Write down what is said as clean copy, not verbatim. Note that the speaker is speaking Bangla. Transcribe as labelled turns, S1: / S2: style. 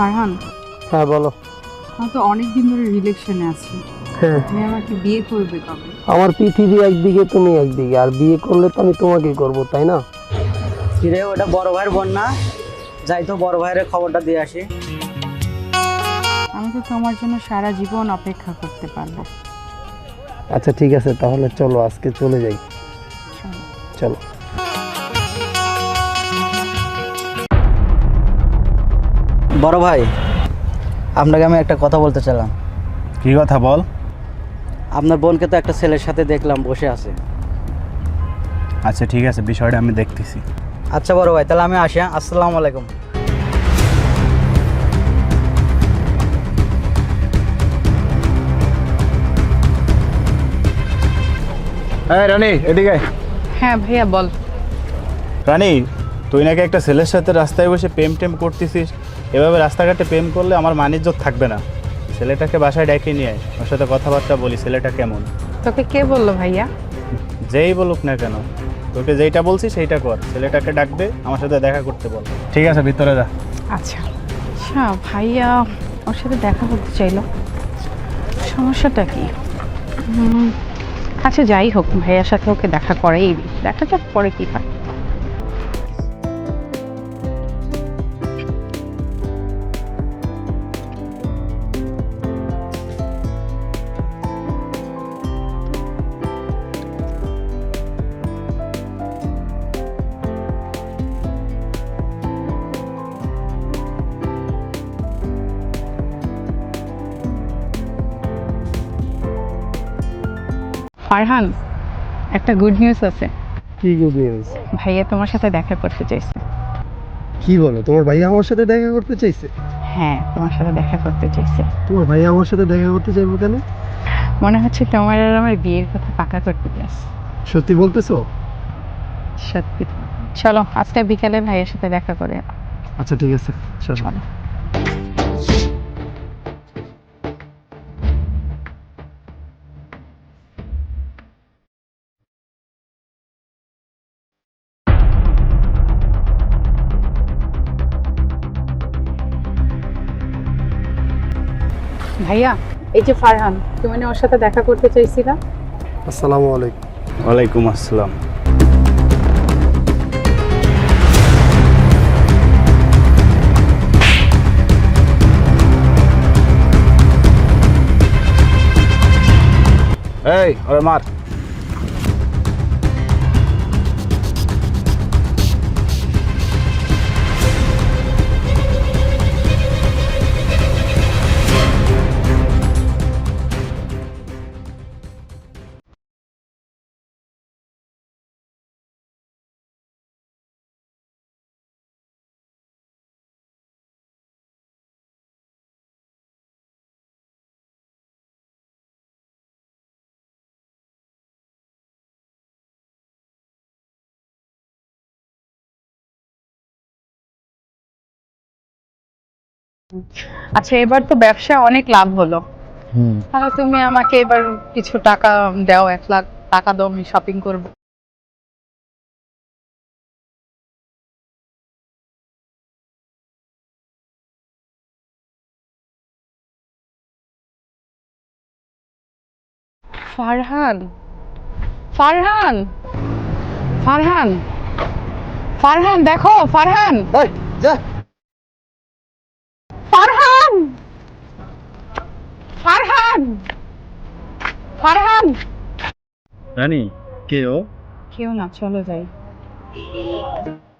S1: ফারহান,
S2: হ্যাঁ বলো।
S1: আমি তো অনেকদিন ধরে রিলেশনে আছি।
S2: হ্যাঁ,
S1: তুমি আমাকে বিয়ে করবে কবে?
S2: আমার পৃথিবী একদিকে, তুমি একদিকে, আর বিয়ে করলে তো আমি তোমাকেই করব, তাই না?
S3: কিরে, ওটা বড় ভাইয়ের বোন না? যাই তো বড় ভাইয়ের খবরটা দিয়ে আসি।
S1: আমি তো তোমার জন্য সারা জীবন অপেক্ষা করতে পারবো।
S2: আচ্ছা ঠিক আছে, তাহলে চলো আজকে চলে যাই।
S1: চলো।
S2: চলো।
S3: বড় ভাই, আপনাকে আমি একটা কথা বলতে চাইলাম।
S4: কি কথা বল?
S3: আপনার বোনকে তো একটা ছেলের সাথে দেখলাম বসে আছে।
S4: আচ্ছা ঠিক আছে, বিষয়টা আমি দেখতেছি।
S3: আচ্ছা বড় ভাই, তাহলে আমি আসি। আসসালামু আলাইকুম।
S4: হ্যাঁ রানী, এদিকে।
S1: হ্যাঁ ভাইয়া বল।
S4: রানী, তুই নাকি একটা ছেলের সাথে রাস্তায় বসে প্রেম টেম করতেছিস। এভাবে রাস্তাঘাটে প্রেম করলে আমার মানিজ্যত থাকবে না। ছেলেটাকে বাসায় ডেকে নিয়ে আয়, ওর সাথে কথাবার্তা বলি, ছেলেটা কেমন।
S1: তোকে কে বললো ভাইয়া?
S4: যেই বলুক না কেন, তোকে যেইটা বলছি সেইটা কর। ছেলেটাকে ডাক দে, আমার সাথে দেখা করতে বল। ঠিক আছে, ভিতরে যা।
S1: আচ্ছা আচ্ছা, ভাইয়া ওর সাথে দেখা করতে চাইলো, সমস্যাটা কি? আচ্ছা যাই হোক, ভাইয়ার সাথে ওকে দেখা করেই দেখা যাক পরে কি হয়। ফারহান, একটা গুড নিউজ আছে।
S2: কি গুড নিউজ?
S1: ভাইয়া তোমার সাথে দেখা করতে চাইছে।
S2: কি বলো, তোমার ভাই আমার সাথে দেখা করতে চাইছে?
S1: হ্যাঁ, তোমার সাথে দেখা করতে চাইছে।
S2: তোমার ভাই আমার সাথে দেখা করতে চাইবো কেন?
S1: মনে হচ্ছে তোমার আর আমার বিয়ের কথা পাকা করতে চাইছে।
S2: সত্যি বলতেছো?
S1: সত্যি। চলো আজকে বিকালে ভাইয়ের সাথে দেখা করে।
S2: আচ্ছা ঠিক আছে, চলো।
S1: চলো। ভাইয়া, এই যে ফারহান, তুমি না ওর সাথে দেখা করতে চাইছিলা?
S2: আসসালামু আলাইকুম।
S4: ওয়ালাইকুম আসসালাম। এই, ওরে মার।
S1: আচ্ছা, এবার তো ব্যবসা অনেক লাভ হলো। তাহলে তুমি আমাকে এবার কিছু টাকা দাও, 1 লাখ টাকা দাও, আমি শপিং করব। ফারহান, ফারহান, ফারহান, ফারহান দেখো, ফারহান,
S2: এই যা।
S1: ফারহান, ফারহান, ফারহান।
S4: রানী, কে ও?
S1: কেউ না, চলো যাই।